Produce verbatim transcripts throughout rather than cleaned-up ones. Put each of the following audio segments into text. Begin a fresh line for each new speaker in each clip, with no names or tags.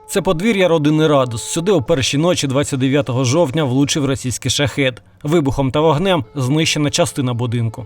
Це подвір'я родини Радус. Сюди о першій ночі двадцять дев'ятого жовтня влучив російський шахед. Вибухом та вогнем знищена частина будинку.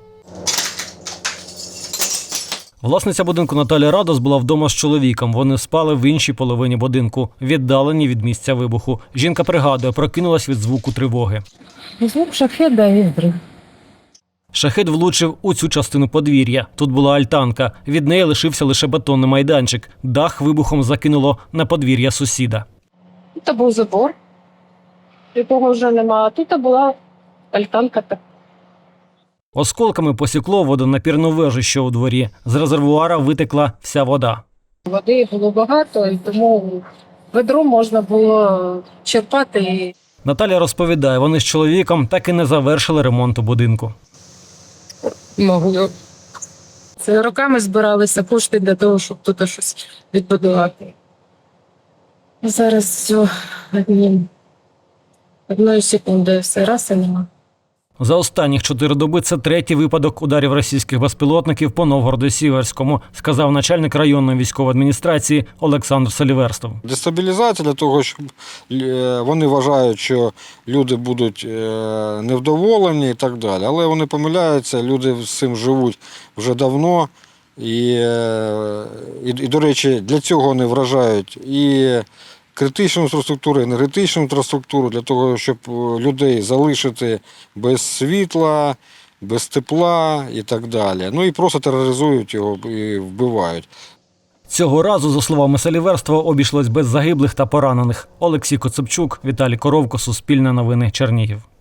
Власниця будинку Наталія Радус була вдома з чоловіком. Вони спали в іншій половині будинку, віддалені від місця вибуху. Жінка пригадує, прокинулась від звуку тривоги.
Звук шахеда і взрив.
Шахед влучив у цю частину подвір'я. Тут була альтанка. Від неї лишився лише бетонний майданчик. Дах вибухом закинуло на подвір'я сусіда.
Тут був забор, якого вже немає. Тут була альтанка.
Осколками посікло водонапірну вежу, що у дворі. З резервуара витекла вся вода.
Води було багато, і тому ведро можна було черпати.
Наталя розповідає, вони з чоловіком так і не завершили ремонту будинку.
Могли. Це роками збиралися кошти для того, щоб тут щось відбудувати. Зараз все одним. Одної секунди все раз і нема.
За останніх чотири доби це третій випадок ударів російських безпілотників по Новгороду-Сіверському, сказав начальник районної військової адміністрації Олександр Саліверстов.
Дестабілізація для того, щоб вони вважають, що люди будуть невдоволені і так далі. Але вони помиляються, люди з цим живуть вже давно. І, і, і до речі, для цього вони вражають і критичну інфраструктуру, енергетичну інфраструктуру, для того, щоб людей залишити без світла, без тепла і так далі. Ну і просто тероризують його і вбивають.
Цього разу, за словами Саліверства, обійшлось без загиблих та поранених. Олексій Коцепчук, Віталій Коровко, Суспільне новини, Чернігів.